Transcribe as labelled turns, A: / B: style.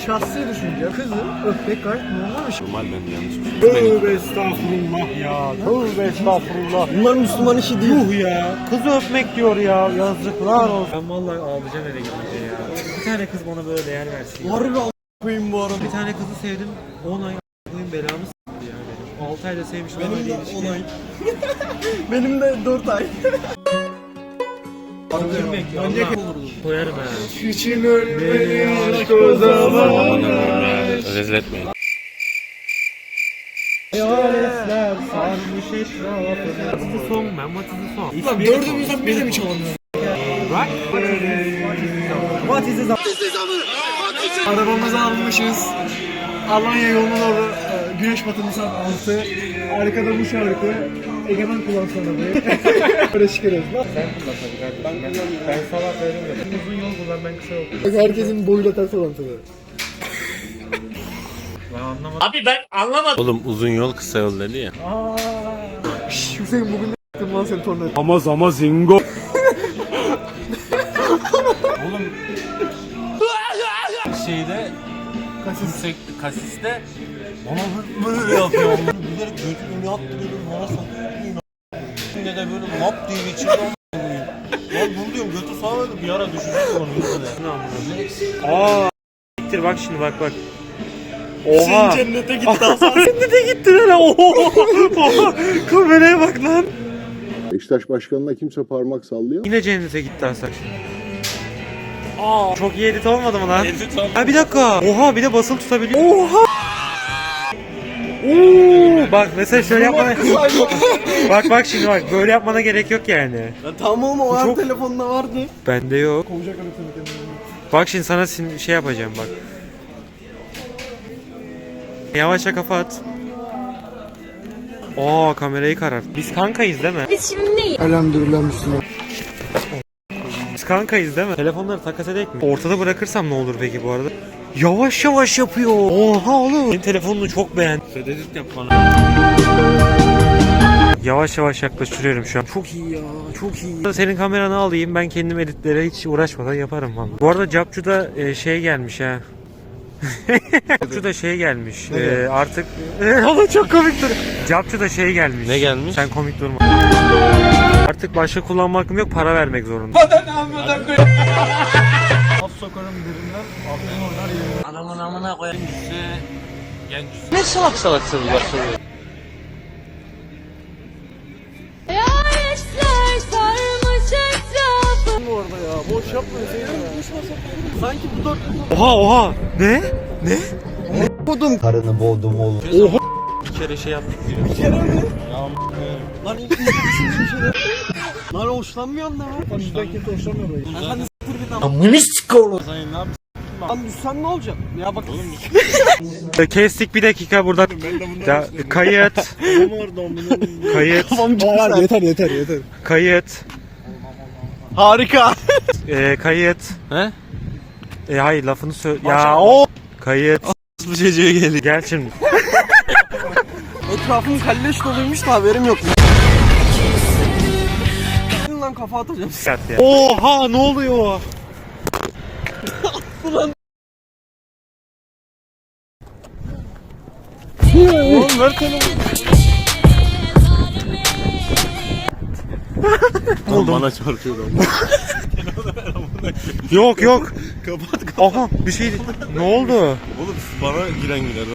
A: şahsi düşünce kızı öpmek gayet normal bir şey.
B: Normal, ben yanlış bir şey.
A: Tövbe estağfurullah ya. Tövbe estağfurullah. Bunlar Müslüman işi değil. Yuh ya. Kızı öpmek diyor ya. Yazıklar olsun.
C: Ben vallahi ağlayacağım eve gidince ya. Bir tane kız bana böyle değer versin.
A: Harbi a**ayım bu arada.
C: Bir tane kızı sevdim. 10 ay a**ayım belamı s**tı ya benim. 6 ayda sevmiştim.
A: Benim de 10 ay. Benim de 4 ay.
C: Önce koyarım ha.
A: İçin ölmeli aşk o zaman.
B: Rezil etmeyin.
C: Hayaletler sarmış etrafını. What is the song man? What is the song?
A: Lan dördümüzden biri mi çalamıyor?
C: Right? What is the song?
A: Arabamızı almışız. Alanya yoluna doğru güneş batımı saat 6. Arkada bu şarkı. Egemen kullansana be. Böyle çıkarıyoruz lan.
C: Sen kullan tabii kardeşim. Ben sabah söylemiyorum. Uzun yol kullan, ben kısa yol kullan.
A: Herkesin boyuyla ters orantılı.
C: Ben anlamadım.
B: Oğlum uzun yol kısa yol dedi ya.
A: Şşş Hüseyin bugün ne yaptın lan sen tornavida?
B: Ama zingo. Oğlum şeyde kasiste bana böyle yapıyor. Bilerek götümü yaptırıyorum. Bana satayım. Ne de böyle lap diye geçiyor. Lan bunu diyorum, götü sağladı, bir ara düşecek onun yüzüne.
C: Aa, gittir bak şimdi, bak. Oha.
A: Sen cennete git daha sonra.
C: Cennete gitti lan. Oha. Kameraya bak lan.
D: Beşiktaş başkanına kimse parmak sallıyor.
C: Yine cennete gitti Hasan. Aa, çok iyi edit olmadı mı lan? Ha bir dakika. Oha, bir de basılı tutabiliyor. Oha. Oo, bak mesela şöyle yapmana. bak şimdi bak, böyle yapmana gerek yok yani.
A: Ya tamam oğlum o an telefonda vardı.
C: Bende yok.
A: Kovacak anasını kendini.
C: Bak şimdi sana şey yapacağım bak. Yavaşça kafa at. Oo, kamerayı karart. Biz kankayız değil mi?
E: Biz şimdi neyiz?
A: Elhamdülillah Müslüman.
C: Biz kankayız değil mi? Telefonları takas edek mi? Ortada bırakırsam ne olur peki bu arada? Yavaş yavaş yapıyor. Oha oğlum. Benim telefonunu çok beğendim.
B: Edit yap bana.
C: Yavaş yavaş yaklaştırıyorum şu an. Çok iyi ya, çok iyi. Senin kameranı alayım, ben kendim editlere hiç uğraşmadan yaparım vallahi. Bu arada Capcu'da şey gelmiş ha. Capcu'da şey gelmiş. Artık ama çok komik dur. Capcu'da şey gelmiş.
B: Ne gelmiş?
C: Sen komik durma. Artık başka kullanma hakkım yok, para vermek zorunda.
A: Az sokarım derinden, aklını oynar yerim.
B: Anamın amına koyayım. Ne salak sırlar söylüyor.
E: Hayaletler sarmış etrafını.
A: Bu arada ya, boş yapma Hüseyin ya. Sanki bu dört...
C: Oha. Ne?
A: Kodum.
F: Karını boğdum oğlum.
B: Bir kere şey yaptık diyor.
A: Bir kere mi? Lan ilk izlemişsin bir şeyler. Lan hoşlanmıyorsun da lan. Bizden kimse hoşlanmıyor böyle. Hadi s**tir git ama.
F: Amını sik oğlum.
B: Sayın ne yapayım?
A: Lan düşsen ne olacak? Ya bak.
C: Kestik bir dakika buradan. Ya, kayıt. Kayıt.
A: Tamam yeter.
C: Kayıt.
A: Harika.
C: Kayıt.
B: He?
C: Hayır, lafını söyle. Ya o. Kayıt.
B: Bu çocuğa geldi.
C: Gel şimdi.
A: Etrafım kalleş doluymuş da haberim yok. Lan kafa atacağım.
C: Oha, ne oluyor?
A: Oğlum ver telefonu.
B: Oğlum bana çarpıyor.
C: Yok.
B: Kapat.
C: Aha, bir şey. Ne oldu?
B: Oğlum bana giren girer.